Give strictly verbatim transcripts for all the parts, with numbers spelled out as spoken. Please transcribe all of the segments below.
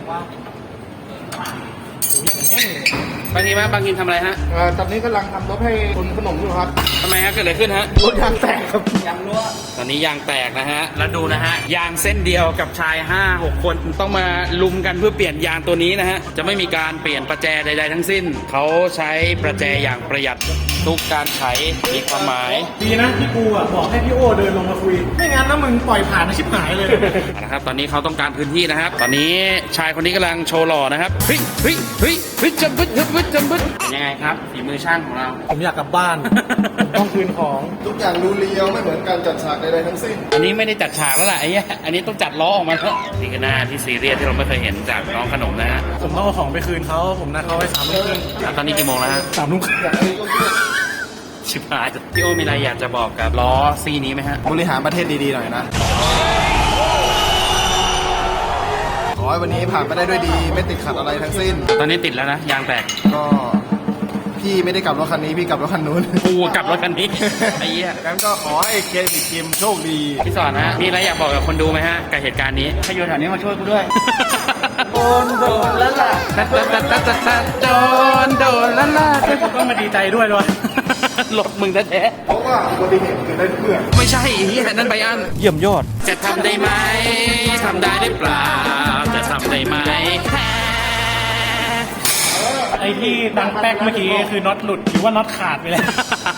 ว่าโอ้ยอย่างแน่นเลยบางทีไหมบางทีทำอะไรฮะเอ่อตอนนี้กำลังทำรถให้คนขนมอยู่ครับทำไมฮะเกิดอะไรขึ้นฮะรถยางแตกครับยางรั่วตอนนี้ยางแตกนะฮะแล้วดูนะฮะยางเส้นเดียวกับชายห้าหกคนต้องมาลุมกันเพื่อเปลี่ยนยางตัวนี้นะฮะจะไม่มีการเปลี่ยนประแจใดๆทั้งสิ้นเขาใช้ประแจอย่างประหยัดทุกการไขมีความหมายดีนะที่กูอ่ะบอกให้พี่โอเดินลงมาคุย ไม่งั้นนะมึงปล่อยผ่านนะชิบหายเลยนะครับตอนนี้เขาต้องการพื้นที่นะครับ ตอนนี้ชายคนนี้กำลังโชว์หล่อนะครับเฮ้ยเฮ้ยเฮ้ยเฮ้ยจำบึดจำบึดจำบึดยังไงครับฝีมือช่างของเราผมอยากกลับบ้าน ผมต้องคืนของทุกอย่างดูเรียวไม่เหมือนการจัดฉากใดๆทั้งสิ้นอันนี้ไม่ได้จัดฉากแล้วล่ะไอ้เหี้ยอันนี้ต้องจัดล้อออกมาแล้วนี่คือหน้าที่ซีเรียสที่เราไม่เคยเห็นจากน้องขนมนะฮะผมต้องเอาของไปคืนเขาผมนัดเขาไว้สามทุ่มครึ่งอ่ะตอนนี้กี่โมงแล้วฮะสามทุ่มครึ่งอย่างนี้ก็คือชิบหายพี่โอมีอะไรอยากจะบอกกับล้อซีนี้ไหมฮะบริหารประเทศดีๆหน่อยนะขอให้วันนี้ผ่านไปได้ด้วยดีไม่ติดขัดอะไรทั้งสิ้นตอนนี้ติดแล้วนะยางแตกก็พี่ไม่ได้กลับรถคันนี้พี่กลับรถคันนู้นกูกลับรถคันนี้ไอ้เหี้ยงั้นก็ขอให้เคสิทีมโชคดีพี่สอนฮะมีอะไรอยากบอกกับคนดูไหมฮะกับเหตุการณ์นี้ถ้าอยู่แถวนี้มาช่วยกูด้วยโดนโดนแล้วล่ะตัดตัดตัดตัดตัดโดนโดนแล้วล่ะผมต้องมาดีใจด้วยด้วยหลบมึงแท้เพราะว่าอุบัติเหตุเกิดได้ทุกเมื่อๆไม่ใช่ไอ้เหี้ยนั่นไบอันเยี่ยมยอดจะทำได้ไหมทำได้หรือเปล่าจะทำได้ไหมไอ้ที่ดังแป๊กเมื่อกี้คือน็อตหลุดหรือว่าน็อตขาดไปแล้ว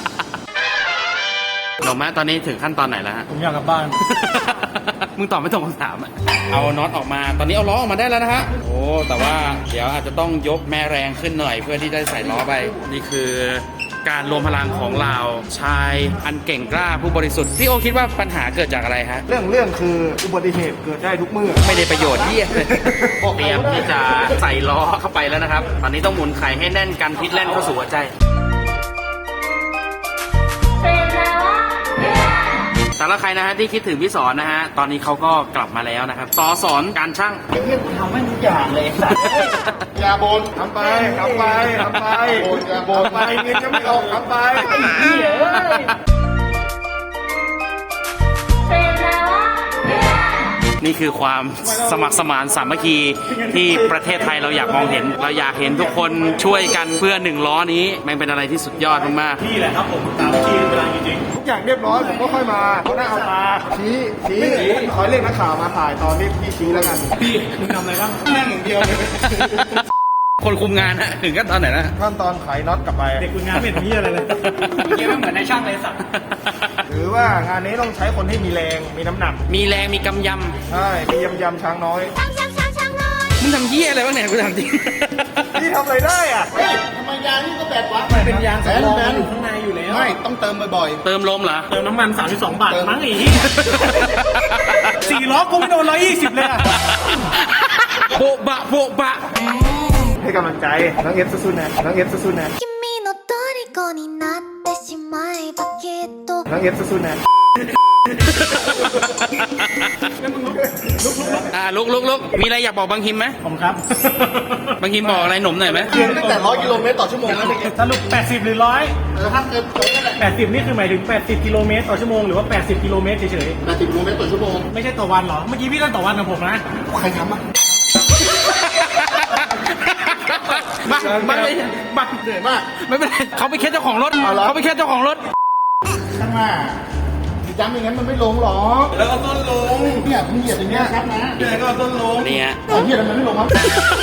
หนูแม่ตอนนี้ถึงขั้นตอนไหนแล้วฮะผมอยากกลับบ้านมึงตอบไม่ตรงคำถามอะเอาน็อตออกมา ตอนนี้เอาล้อออกมาได้แล้วนะฮะ โอ้ แต่ว่าเดี๋ยวอาจจะต้องยกแม่แรงขึ้นหน่อยเพื่อที่จะใส่ล้อไป นี่คือการรวมพลังของเราชายอันเก่งกล้าผู้บริสุทธิ์ พี่โอคิดว่าปัญหาเกิดจากอะไรฮะเรื่องเรื่องคืออุบัติเหตุเกิดได้ทุกเมื่อไม่ได้ประโยชน์เยี่ยเลยเตรียมที่จะใส่ล้อเข้าไปแล้วนะครับ ตอนนี้ต้องหมุนไข่ให้แน่นกันพิษแล่นเข้าสู่หัวใจ สำหรับใครนะฮะที่คิดถึงพี่สอนนะฮะ ตอนนี้เขาก็กลับมาแล้วนะครับสอสอนการช่างไอ้เหี้ยกูทำให้ทุกอย่างเลยอย่าบ่นทำไปทำไปทำไปบ่นอย่าบ่นไปเงินยังไม่ออกทำไปไอ้เหี้ยเอ้ยนี่คือความสมัครสมานสามัคคีที่ประเทศไทยเราอยากมองเห็น เราอยากเห็นทุกคนช่วยกันเพื่อหนึ่งล้อนี้มันเป็นอะไรที่สุดยอดมากนี่แหละครับผมตามที่เวลาจริงทุกอย่างเรียบร้อยผมก็ค่อยมาเอาหน้าเอาตาชี้ชี้ขอเรียกนักข่าวมาถ่ายตอนที่พี่ชี้แล้วกันๆพี่มึงทำอะไรบ้างนั่งอย่างเดียวเลยๆ คนคุมงานฮะถึงขั้นตอนไหนนะขั้นตอนไขน็อตกลับไปเด็กคุณงานไม่เห็นพี่อะไรเลยเมื่อกี้มันเหมือนในช่างเลยสัตว์หรือว่างานนี้ต้องใช้คนที่มีแรงมีน้ำหนักมีแรงมีกำยใช่มียำยำช้างน้อยำมึงทำเยี่ยอะไรบ้างเนี่ยกูถามจริงพี่ทำอะไรได้อ่ะเฮ้ยทำไมยางนี่ก็แบดวะเป็นยางแบสำนรองแบนอยู่ข้างในอยู่แล้วไม่ต้องเติมบ่อยเติมลมเหรอเติมน้ำมันสามสิบสองบาทมั้งอีกสี่ล้อกูไม่โดนร้อยยี่สิบเลยอะโบะบะโบะบะๆให้กำลังใจน้องเอฟสู้ๆนะน้องเอฟสู้ๆนะ君の虜になってしまえばきっとน้องเอฟสู้ๆนะอ่าลุกลุกลุกมีอะไรอยากบอกบางฮิมไหมผมครับบางฮิมบอกอะไรหนุ่มหน่อยไหมเพียงตั้งแต่ร้อยกิโลเมตรต่อชั่วโมงแล้วเมื่อกี้สรุปแปดสิบหรือร้อยแต่ถ้าเกินตรงนั้นแหละแปดสิบนี่คือหมายถึงแปดสิบกิโลเมตรต่อชั่วโมงหรือว่าแปดสิบกิโลเมตรเฉยแปดสิบกิโลเมตรต่อชั่วโมงๆไม่ใช่ต่อวันเหรอเมื่อกี้พี่เล่นต่อวันกับผมนะใครทำอ่ะมามาเลยมาเหนื่อยมากไม่เป็นไรเขาไปแค่เจ้าของรถเอาเหรอเขาไปแค่เจ้าของรถข้างหน้าย้ำอย่างนั้นมันไม่ลงหรอแล้วก็ต้นลงเนี่ยมึงเหยียบอย่างเงี้ยครับนะเนี่ยก็ต้นลงนี่ฮะไอ้เหยียบมันไม่ลงครับ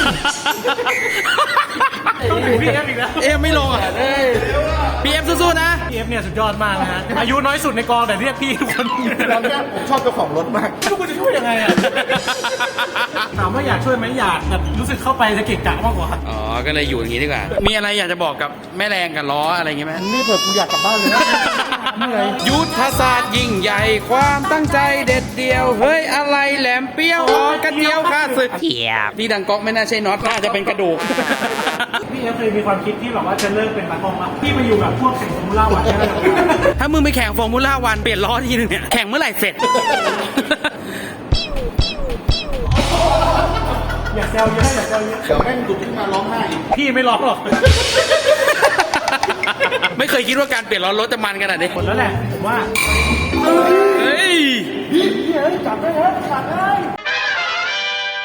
ต้องถึงพี่เอฟอีกแล้วเอ๊ะไม่ลงอ่ะพีเอฟสู้ๆนะพี่เอฟเนี่ยสุดยอดมากนะฮะอายุน้อยสุดในกองแต่เรียกพี่ทุกคนตอนเนี้ยผมชอบเจ้าของรถมากทุกคนจะช่วยยังไงอะถามว่าอยากช่วยไหมอยากแต่รู้สึกเข้าไปจะเกะกะมากกว่าอ๋อ ก็เลยอยู่อย่างนี้ดีกว่า มีอะไรอยากจะบอกกับแม่แรงกับล้ออะไรอย่างเงี้ยไหมนี่เผื่อกูอยากกลับบ้านเลยนะเหนื่อยยุทธศาสตร์ยิ่งใหญ่ความตั้งใจเด็ดเดียว เฮ้ย อะไรแหลมเปรี้ยวออกกันเดียวค่าศึกเทียบที่ดังก๊อกไม่น่าใช่น็อตน่าจะเป็นกระดูกพี่เอฟเคยมีความคิดที่แบบว่าจะเลิกเป็นตากล้องละพี่มาอยู่กับพวกแข่งฟอร์มูล่าวันได้ไหมถ้ามึงไปแข่งฟอร์มูล่าวันเปลี่ยนล้อทีนึงเนี่ย แข่งเมื่อไหร่เสร็จอย่าแซวเยอะอย่าแซวเยอะเดี๋ยวแม่งดุขึ้นมาร้องไห้อีกพี่ไม่ร้องหรอกไม่เคยคิดว่าการเปลี่ยนล้อรถจะมันขนาดนี้หมดแล้วแหละผมว่า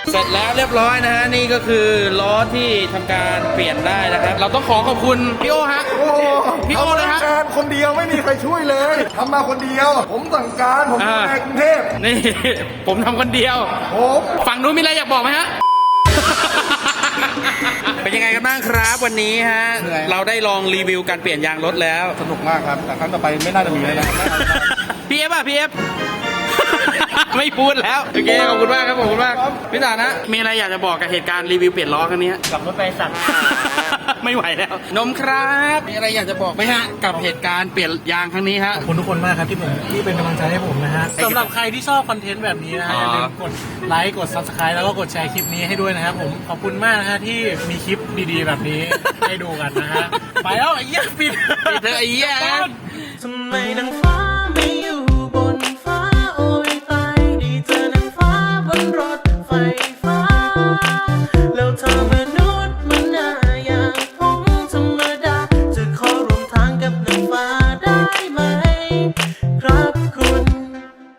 เสร็จแล้วเรียบร้อยนะฮะนี่ก็คือล้อที่ทำการเปลี่ยนได้นะครับเราต้องขอขอบคุณพี่โอฮะโอ้พี่โอเลยฮะทำงานคนเดียวไม่มีใครช่วยเลยทำมาคนเดียว ผมสั่งการผมอยู่ในกรุงเทพนี่ ผมทำคนเดียวผมฝั่งนู้นมีอะไรอยากบอกไหมฮะ เป็นยังไงกันบ้างครับวันนี้ฮะเราได้ลองรีวิวการเปลี่ยนยางรถแล้วสนุกมากครับแต่ครั้งต่อไปไม่น่าจะมีแล้วนะพี่เอฟอ่ะพี่เอฟ ไม่พูดแล้วโอเคขอบคุณมากครับขอบคุณมากพี่ตานะมีอะไรอยากจะบอกกับเหตุการณ์รีวิวเปลี่ยนล้อครั้งนี้กลับรถไปสั่งไม่ไหวแล้ว นมครับมีอะไรอยากจะบอกไหมฮะกับเหตุการณ์เปลี่ยนยางครั้งนี้ฮะขอบคุณทุกคนมากครับที่ผมที่เป็นกำลังใจให้ผมนะฮะสำหรับใครที่ชอบคอนเทนต์แบบนี้นะฮะอย่าลืมกดไลค์กด ซับสไครบ์ แล้วก็กดแชร์คลิปนี้ให้ด้วยนะครับผมขอบคุณมากนะฮะที่มีคลิปดีๆแบบนี้ให้ดูกันนะฮะไปแล้วไอ้เหี้ยปิดปิดเถอะไอ้เหี้ยทำไมนางฟ้า